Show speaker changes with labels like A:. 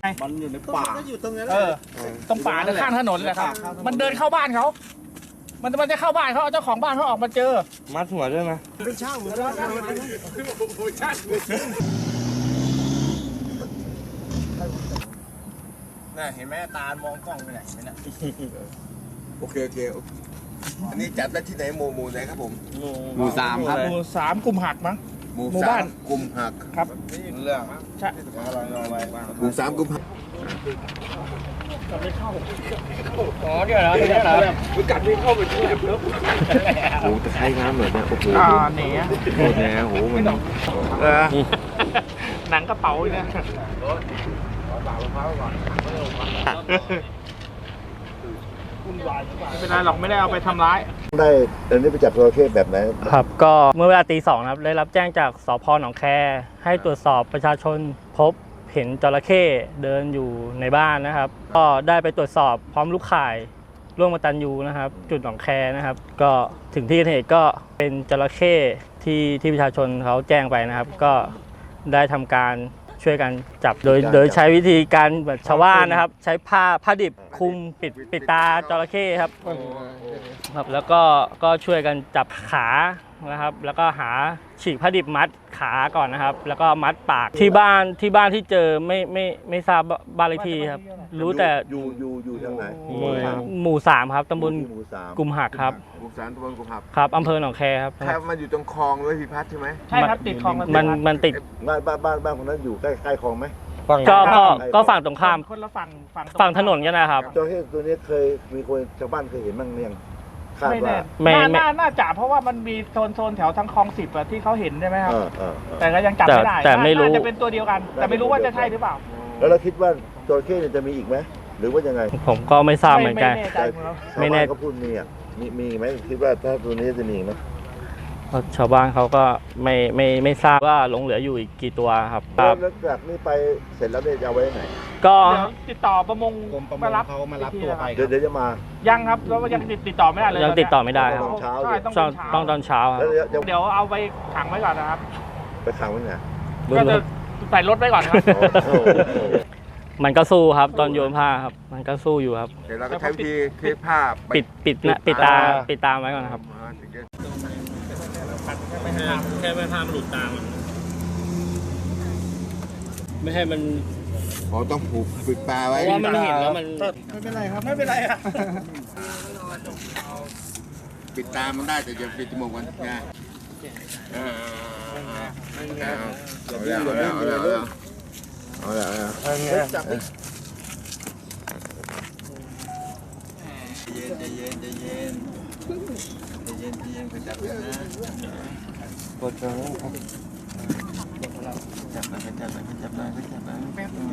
A: มันอยู่ในป่าอยู่ตรงนั้น
B: ตรงป่าข้างถนนแหละครับมันเดินเข้าบ้านเขามันจะเข้าบ้านเขาเจ้าของบ้านเขาออกมาเจอ
C: มัดหัวด้วยไหม
A: เป็นช่างเหมือนกันน่ะเห็นไหมตามองกล้องไปไหนเนี่ยโอเคอันนี้จัดได้ที่ไหนหมู่ไหนครับผม
C: หมู่สามครับ
B: หมู่สามกลุ่มหักมั้ง
A: หมู่บ้านกลุ่มหัก
B: ครับ
A: เรื่อง
B: ใช่
A: หมู่สามกลุ่มหัก
B: ไม่เข้าอ๋อเดี๋ยวนะคือกัดไม่เข้าไปที่แบบลึก
C: โอ้ตะไคร้น้ำเหมือนเนี่ยโอ้โห
B: เนี่ย
C: โอ้แหนโอ้มัน
B: หนังกระเป๋าเนี่ยไม่เป็นไรหรอกไม่ได้เอาไปทำร้าย
A: ได้อันนี้ไปจับจระเข้แบบไหน
D: ครับก็เมื่อเวลาตี 2ครับได้รับแจ้งจากสภ.หนองแคให้ตรวจสอบประชาชนพบเห็นจระเข้เดินอยู่ในบ้านนะครับก็ได้ไปตรวจสอบพร้อมลูกข่ายร่วมกตัญญูนะครับจุดหนองแคนะครับก็ถึงที่เกิดเหตุก็เป็นจระเข้ที่ประชาชนเขาแจ้งไปนะครับก็ได้ทำการช่วยกันจับโดยใช้วิธีการแบบชาวบ้านนะครับใช้ผ้าดิบคลุมปิดตาจระเข้ครับแล้วก็ช่วยกันจับขานะครับแล้วก็หาฉีกผ้าดิบมัดขาก่อนนะครับแล้วก็มัดปากที่บ้านที่เจอไม่ทราบบ้านเลขที่ครับรู้แต่
A: อยู่ทางไหน
D: หมู่ 3ครับตำบลกุมหักครับ
A: หมู่ 3ตำบลกุมหัก
D: ครับอำเภอหนองแคครับ
A: แค่มันอยู่ตรงคลองด้วยพิพัฒน์ใช่ไหม
B: ใช่ครับติดคลอง
D: มันติด
A: บ้านคนนั้นอยู่ใกล้คลองไหม
D: ก็ฝั่งตรงข้าม
B: คนละ
D: ฝั่งถนนกันนะครับ
A: จระเข้ตัวนี้เคยมีคนชาวบ้านเคยเห็นบ้างหรือยัง
B: ไม่แน่น่าจะเพราะว่ามันมีโซนแถวทางคลอง10ที่เขาเห็นใช่ไหมครับแต่ก็ยังจับไม่ได้
D: แต่ไม่รู้
B: จะเป็นตัวเดียวกันแต่ไม่รู้ว่าจะใช่หรือเปล่า
A: แล้วเราคิดว่าจระเข้จะมีอีกไหมหรือว่ายังไง
D: ผมก็ไม่ทราบเหมือนกัน
A: ไม่แน่ก็พูดมีไหมคิดว่าถ้าตัวนี้จะมีไหม
D: ชาวบ้านเขาก็ไม่ทราบว่าหลงเหลืออยู่อีกกี่ตัวครับ
A: แล้วจากนี้ไปเสร็จแล้วจะเอาไว้ไหน
D: ก็
B: ติดต่อประมง
C: มารับตัวไป
A: เดี๋ยวจะมา
B: ยังครับแล้วยังติดต่อไม่ได้เลย
D: ยังติดต่อไม่ได้ครับต้องตอนเช้าครับ
B: เดี๋ยวเอาไปขังไว้ก่อนนะครับ
A: ไปขังไว้ไหน
B: ก็จะใส่รถไว้ก่อนครับ
D: มันก็สู้ครับตอนโยนผ้าครับมันก็สู้อยู่ครับ
A: เดี๋ยวเราก็ใช้วิธีเทผ้า
D: ปิดตาไว้ก่อนครับแค่ไม่ห้ามหลุดตามันไม่ให้มัน
A: ต้องผูกปิดตาไว้
D: เพราะว่ามันเห็นแล้วมัน
B: ไม่เป็นไรครับไม่เป็นไรครับ
A: ปิดตามันได้แต่อย่าปิดจมูกมันนะเอาแล้วจับดิใจเย็นไปจับกันนะกดจับไป